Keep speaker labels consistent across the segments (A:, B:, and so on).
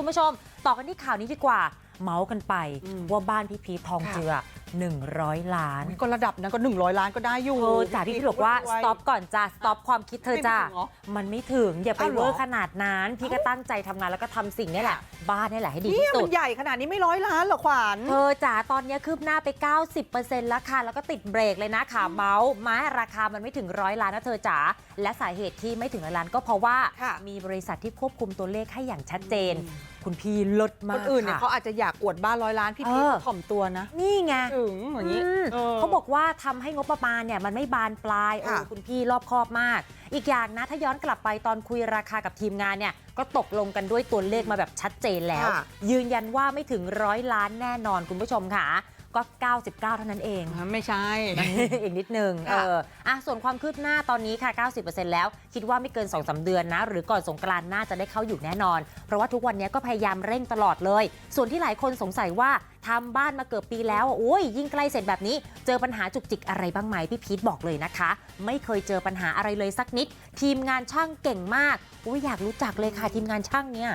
A: คุณผู้ชมต่อกันที่ข่าวนี้ดีกว่าเมาส์กันไปว่าบ้านพี่พีชทองเจือ100 ล้าน
B: ก็ระดับนั้นก็100 ล้านก็ได้อยู่
A: จากที่พี่บอกว่าสต็อปก่อนจ้าสต็อปความคิดเธอจ้ามันไม่ถึงอย่าไปเวอร์ขนาดนั้นพี่ก็ตั้งใจทำงานแล้วก็ทำสิ่งนี้แหละบ้านนี่แหละให้ดีที่สุด
B: มันใหญ่ขนาดนี้ไม่100 ล้านหรอขวัญ
A: เธอจ๋าตอนนี้คืบหน้าไป 90% แล้วค่ะแล้วก็ติดเบรกเลยนะค่ะเมาส์ม้าราคามันไม่ถึง100 ล้านนะเธอจ๋าและสาเหตุที่ไม่ถึง100 ล้านก็เพราะว่ามีบริษัทที่ควบคุมตัวเลขให้อย่างชัดเจนคุณพี่ลดมาก
B: คนอื่นเนี่ยเขาอาจจะอยากอวดบ้าน100 ล้านพี่พีชถ่อมตัวนะ
A: นี่ไง
B: ถึงอย่างนี้
A: เขาบอกว่าทำให้งบประมาณเนี่ยมันไม่บานปลายคุณพี่รอบคอบมากอีกอย่างนะถ้าย้อนกลับไปตอนคุยราคากับทีมงานเนี่ยก็ตกลงกันด้วยตัวเลขมาแบบชัดเจนแล้วยืนยันว่าไม่ถึง100 ล้านแน่นอนคุณผู้ชมค่ะก็99เท่านั้นเอง
B: ไม่ใช่
A: อีกนิดนึงส่วนความคืบหน้าตอนนี้ค่ะ 90% แล้วคิดว่าไม่เกิน 2-3 เดือนนะหรือก่อนสงกรานต์น่าจะได้เข้าอยู่แน่นอนเพราะว่าทุกวันนี้ก็พยายามเร่งตลอดเลยส่วนที่หลายคนสงสัยว่าทำบ้านมาเกือบปีแล้วโอ้ยยิ่งใกล้เสร็จแบบนี้เจอปัญหาจุกจิกอะไรบ้างไหมพี่พีทบอกเลยนะคะไม่เคยเจอปัญหาอะไรเลยสักนิดทีมงานช่างเก่งมากอยากรู้จักเลยค่ะทีมงานช่างเนี่ย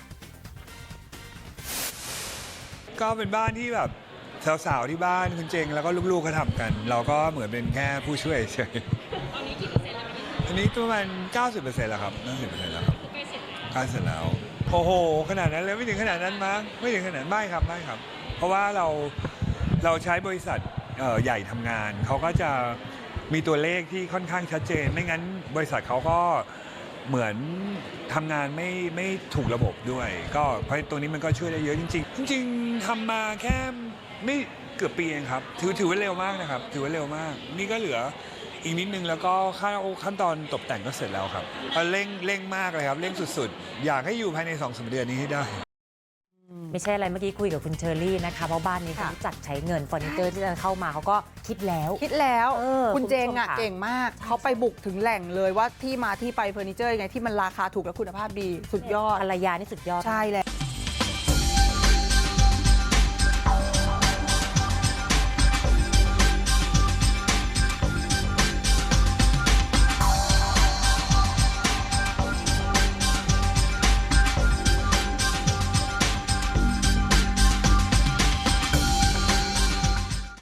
C: ก็เป็นบ้านที่แบบสาวๆที่บ้านคุณเจงแล้วก็ลูกๆเขาทำกันเราก็เหมือนเป็นแค่ผู้ช่วยเฉยตอนนี้กี่เปอร์เซ็นต์แล้วอันนี้ประมาณ 90% แล้วครับ 90% แล้วครับใกล้เสร็จแล้วโอ้โหขนาดนั้นเลยไม่ถึงขนาดนั้นมั้งไม่ถึงขนาดไม่ครับเพราะว่าเราใช้บริษัทใหญ่ทำงานเขาก็จะมีตัวเลขที่ค่อนข้างชัดเจนไม่งั้นบริษัทเขาก็เหมือนทำงานไม่ถูกระบบด้วยก็เพราะตัวนี้มันก็ช่วยได้เยอะจริงๆทำมาแค่ไม่เกือบปีเองครับถือว่าเร็วมากนะครับถือว่าเร็วมากนี่ก็เหลืออีกนิดนึงแล้วก็ขั้นตอนตกแต่งก็เสร็จแล้วครับเร่งมากเลยครับเร่งสุดๆอยากให้อยู่ภายใน 2-3 เดือนนี้ให้ได้
A: ไม่ใช่อะไรเมื่อกี้คุยกับคุณเชอรี่นะคะเพราะบ้านนี้เขารู้จักใช้เงินเฟอร์นิเจอร์ที่จะเข้ามาเขาก็คิดแล้ว
B: คุณเจงเก่งมากเขาไปบุกถึงแหล่งเลยว่าที่มาที่ไปเฟอร์นิเจอร์ยังไงที่มันราคาถูกและคุณภาพดีสุดยอด
A: ภรรยานี่สุดยอด
B: ใช่แล้ว